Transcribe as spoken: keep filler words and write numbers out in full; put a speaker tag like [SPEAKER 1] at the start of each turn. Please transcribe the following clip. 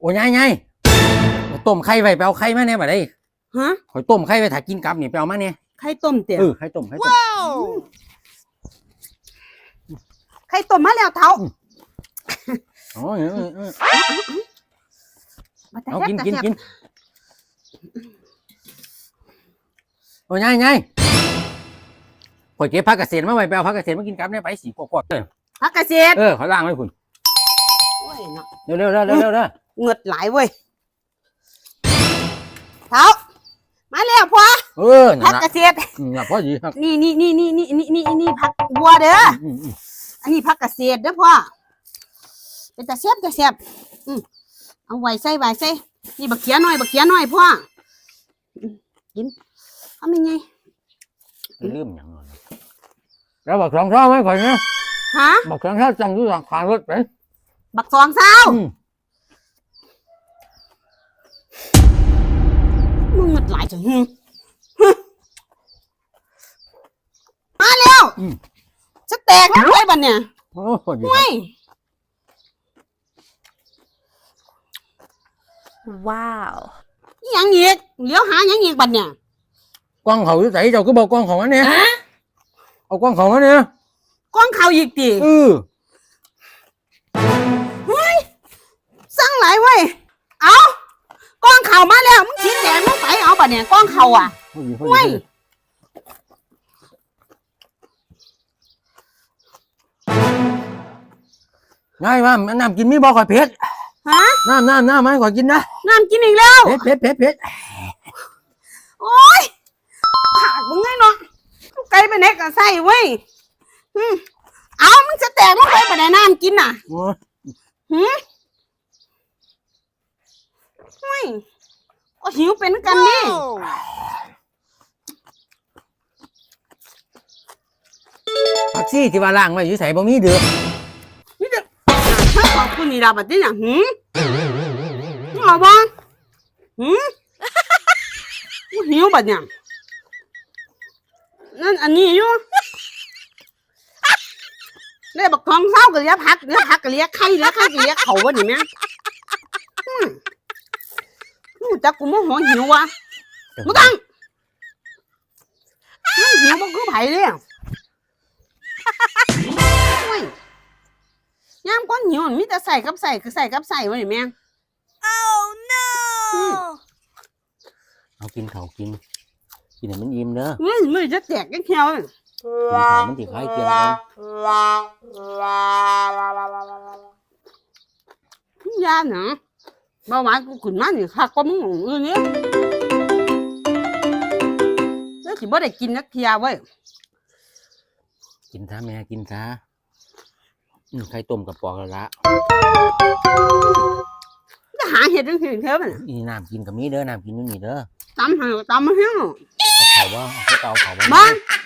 [SPEAKER 1] โอ้ยไงต้มไข่ไว้ไปเอาไข่มาเนี่ยมาได้
[SPEAKER 2] ฮะ
[SPEAKER 1] ข่อยต้มไข่ไว้ถ้ากินกับนี่ไปเอามาเนี่ย
[SPEAKER 2] ไข่ต้มเตี๋ย
[SPEAKER 1] เออไข่ต้มไข่ต้ม
[SPEAKER 2] ไข่ต้มมาแล้วเท้า
[SPEAKER 1] อ๋อเอากินกินกินโอ้ยไงข่อยเก็บผักเกษตรมาไว้ไปเอาผักเกษตรมากินกับเนี่ยไปสีกวดๆเลย
[SPEAKER 2] ผักเกษตร
[SPEAKER 1] เออขอล้างไว้คุณเร็วเร็วเร็วเร็วเร็วเร็ว
[SPEAKER 2] เงือดไหลเว้ยเท้ามาแล้วพ่อ
[SPEAKER 1] เออ
[SPEAKER 2] ผักเกษตร
[SPEAKER 1] น่ะพ่อดีครับ
[SPEAKER 2] นี่นี่นี่นี่นี่นี่นี่นี่ผักบัวเด้ออันนี้ผักเกษตรเด้อพ่อเป็นตะเสียบตะเสียบเอาไว้ใส่ไว้ใส่นี่บักเขียหน่อยบักเขียหน่อยพ่อกินทำยังไง
[SPEAKER 1] ลืมอย่างนั้นแล้วบักสองเท้าไหมข่อยเนี่ย
[SPEAKER 2] ฮะ
[SPEAKER 1] บักสองเท้าจังอยู่หลังคารถไป
[SPEAKER 2] บักสองเท้ามึงหมดหลายจังฮึมาแล้วจะแตกแล้วไอ้บันเนี่ย
[SPEAKER 1] โอ้โหดี
[SPEAKER 2] ว้าวยังอีกเลี้ยวหายังอีกบันเนี่ย
[SPEAKER 1] กล้องเขาอยู่ไหนเจ้าก็บอกกล้องเขาอันเนี้ยเอากล้องเขาอันเนี้ย
[SPEAKER 2] กล้องเขาอีกตี
[SPEAKER 1] เออ
[SPEAKER 2] เฮ้ยสั่งหลายเว้ยเอากล้องเขามาแล้วมึงชี้แจงมึงไปเอาบันเนี่ยกล้องเขาอ่ะเว้ย
[SPEAKER 1] ง่ายว่าน้ำกินมีบอกข่อยเผ็ด
[SPEAKER 2] ฮะ
[SPEAKER 1] น้ำน้ำน้ำไม่ข่อยกินนะ
[SPEAKER 2] น้ำกินอีกแล้ว
[SPEAKER 1] เผ็ดเผ็ดเผ็ดเผ็ด
[SPEAKER 2] โอ้ยขาดมึงไงเนาะไกลไปไหนก็ใส่เว้ยเอามึงจะแตกมึงไปไปไหนน้ำกินน่ะหืมเฮ้ยก็หิวเป็นกันนี่
[SPEAKER 1] ผักซี่ที่ว่าล่างไว้อยู่ใส่บ่มีเดือด
[SPEAKER 2] นี่เด็กถ้าขอบคุณนี่ดาบัดนี้น่ะหืมเอาบ้างหืมหิวบัดเนี่ยนั่นอันนี้อยู่เรียกบักทองเศร้ากับเลี้ยพักเลี้ยพักกับเลี้ยไข่เลี้ยไข่กับเลี้ยเขาวะนี่แม่หูจักกูโมโหหิววะมึงตั้งหิวมันคือไผ่เลยย่ามก้อนหิวมีแต่ใส่กับใส่คือใส่กับใส่วะนี่แม่
[SPEAKER 3] Oh no
[SPEAKER 1] เอากินเขากินกินให้มันอิ่มเด้อ
[SPEAKER 2] ไม่ไม่จะแตกกันเที่ยว
[SPEAKER 1] กินเขามันติดไข่เกี๊ยว
[SPEAKER 2] กันยาหนาเบาหวานกูขึ้นมานี่ค่ะก็มึงเออเนี่ยแล้วสิบ่ได้กินนักเที่ยวเว้ย
[SPEAKER 1] กินซะแม่กินซะไข่ต้มกับปอกละละ
[SPEAKER 2] จะหาเห็ดจังซี่เท่านั้น
[SPEAKER 1] นี่น้ำกินกับมีเด้อน้ำกินอยู่นี่เด้อ
[SPEAKER 2] ตำให้ตำมาเฮีย
[SPEAKER 1] เอาเขาว่าเขาเตาเขาบ้าง
[SPEAKER 2] บ้า